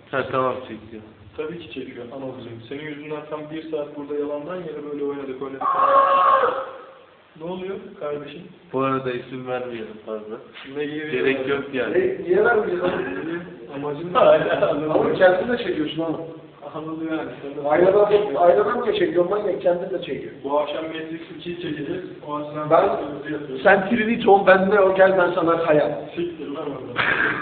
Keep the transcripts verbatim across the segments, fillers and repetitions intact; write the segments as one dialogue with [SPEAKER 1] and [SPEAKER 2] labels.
[SPEAKER 1] Ha tamam çekiyor.
[SPEAKER 2] Tabii ki çekiyor anacığım. Senin yüzünden tam bir saat burada yalandan yere böyle oynadık oynadık. Ne oluyor kardeşim?
[SPEAKER 1] Bu arada isim vermeyelim fazla.
[SPEAKER 2] Ne gibi?
[SPEAKER 1] Gerek yok yani.
[SPEAKER 3] Ne, niye vermeyeceğiz abi?
[SPEAKER 2] Amacın da hala
[SPEAKER 3] Ama kendin de çekiyorsun ama.
[SPEAKER 2] anılıyor yani.
[SPEAKER 3] Aynadan, aynadan mı çekiyorsun manyak? Kendin de çekiyorsun.
[SPEAKER 2] Bu akşam Matrix ikiyi çekeceğiz. O açıdan
[SPEAKER 3] Ben, sen Trinity ol, ben de o gel ben sana kayar.
[SPEAKER 2] siktir lan orada.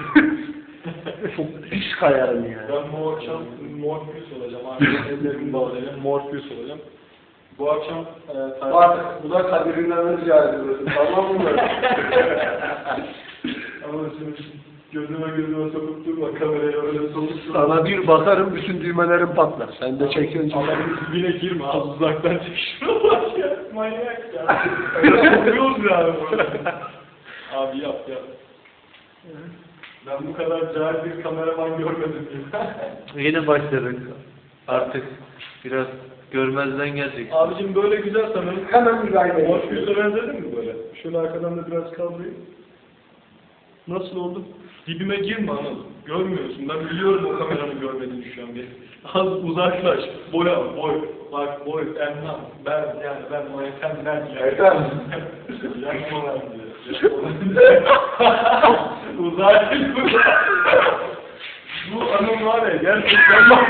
[SPEAKER 3] Çok pis kayarım yani.
[SPEAKER 2] Ben bu akşam Morpheus olacağım. Artık ellerimi bağlayacağım. Morpheus olacağım. Bu akşam e,
[SPEAKER 3] Bak, bu da kaderinden rica ediyorsun. Tamam mı?
[SPEAKER 2] ama şimdi gözüme gözüme sokup durma kameraya öyle sokup durma.
[SPEAKER 3] Sana bir bakarım, bütün düğmelerim patlar. Sen de çekiyorsun.
[SPEAKER 2] Adamın dibine girme, az uzaktan çek şuna bak ya, manyak ya. Öyle kokuyoruz ya böyle. Abi yap yap. Ben bu kadar cahil bir kameraman görmedim ya.
[SPEAKER 1] Yine başladık. Artık biraz görmezden gelecek.
[SPEAKER 2] Abicim böyle güzel sanırım.
[SPEAKER 3] Hemen müdahale ediyorsun.
[SPEAKER 2] Morpheus'a benzedin mi böyle? Şöyle arkadan da biraz kaldırayım. Nasıl oldu? Dibime girme anam. Görmüyorsun. Ben biliyorum o kameranı görmediğini şu an bir. Az uzaklaş. Boya, boy. Bak boy, enlem. Ben yani ben o efendim ya.
[SPEAKER 3] Efendim.
[SPEAKER 2] Yakma lan diyor. Yakma. Uzak. Bu anım var ya gerçekten bak.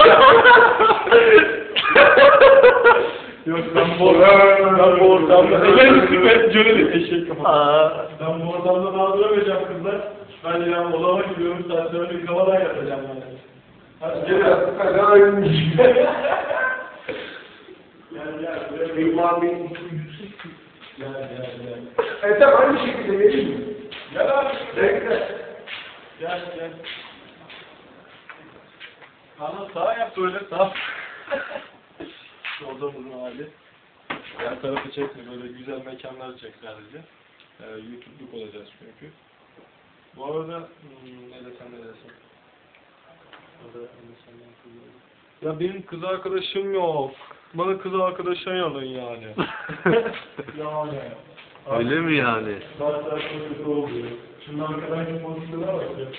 [SPEAKER 2] Yok ben bu ben bu ortamda elini süper cöre eşek kafa. Ben bu ortamda daha duramayacağım kızlar. Ben ya odama gidiyorum sen şöyle bir havadan yatacağım yani. Hadi gel. Gel gel.
[SPEAKER 3] İlman Bey.
[SPEAKER 2] Gel gel gel.
[SPEAKER 3] Ethem aynı şekilde vereyim mi?
[SPEAKER 2] Gel abi.
[SPEAKER 3] Bekle.
[SPEAKER 2] Gel gel. Ana sağa yap böyle sağ. Odamızın hali. Her tarafı çekme böyle güzel mekanlar çek sadece. Ee, YouTube'luk olacağız çünkü. Bu arada hmm, ne desem ne desem. Orada ne desem ne desem. Ya benim kız arkadaşım yok. Bana kız arkadaşın alın yani. Yani.
[SPEAKER 1] Öyle mi yani?
[SPEAKER 2] Zaten çok kötü oluyor. Şimdi arkadan kim pozisyona bak ya.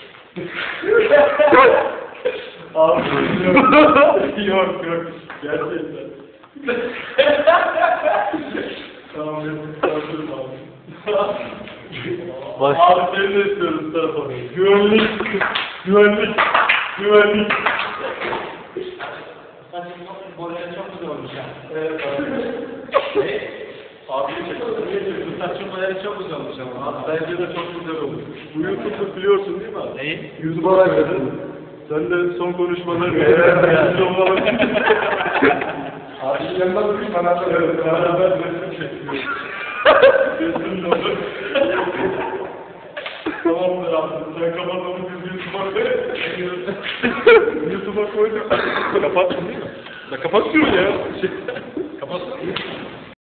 [SPEAKER 2] Abi yok yok. Gerçekten. Tamam benim kızartırım abi.
[SPEAKER 1] Baş...
[SPEAKER 2] Abi seni de istiyoruz bu tarafa. Güvenlik. Güvenlik. Güvenlik.
[SPEAKER 4] Boyları çok güzel olmuş ya.
[SPEAKER 2] Evet abi. Abi çekiyorsun.
[SPEAKER 4] Saçın boyları çok güzel olmuş ama.
[SPEAKER 2] Bence de çok güzel olmuş. Bu YouTube'u biliyorsun değil mi abi?
[SPEAKER 4] Neyi?
[SPEAKER 3] YouTube'a bak dedim.
[SPEAKER 2] Sen de son konuşmaları
[SPEAKER 3] Evet.
[SPEAKER 2] evet.
[SPEAKER 3] Abi yanından bir kanatla
[SPEAKER 2] Evet, beraber resim çekiyoruz. Resim olur. Tamamdır abi, sen kapat onu biz YouTube'a koyalım. YouTube'a koyduk. Kapattın değil mi? Ya kapat şunu ya. Kapat.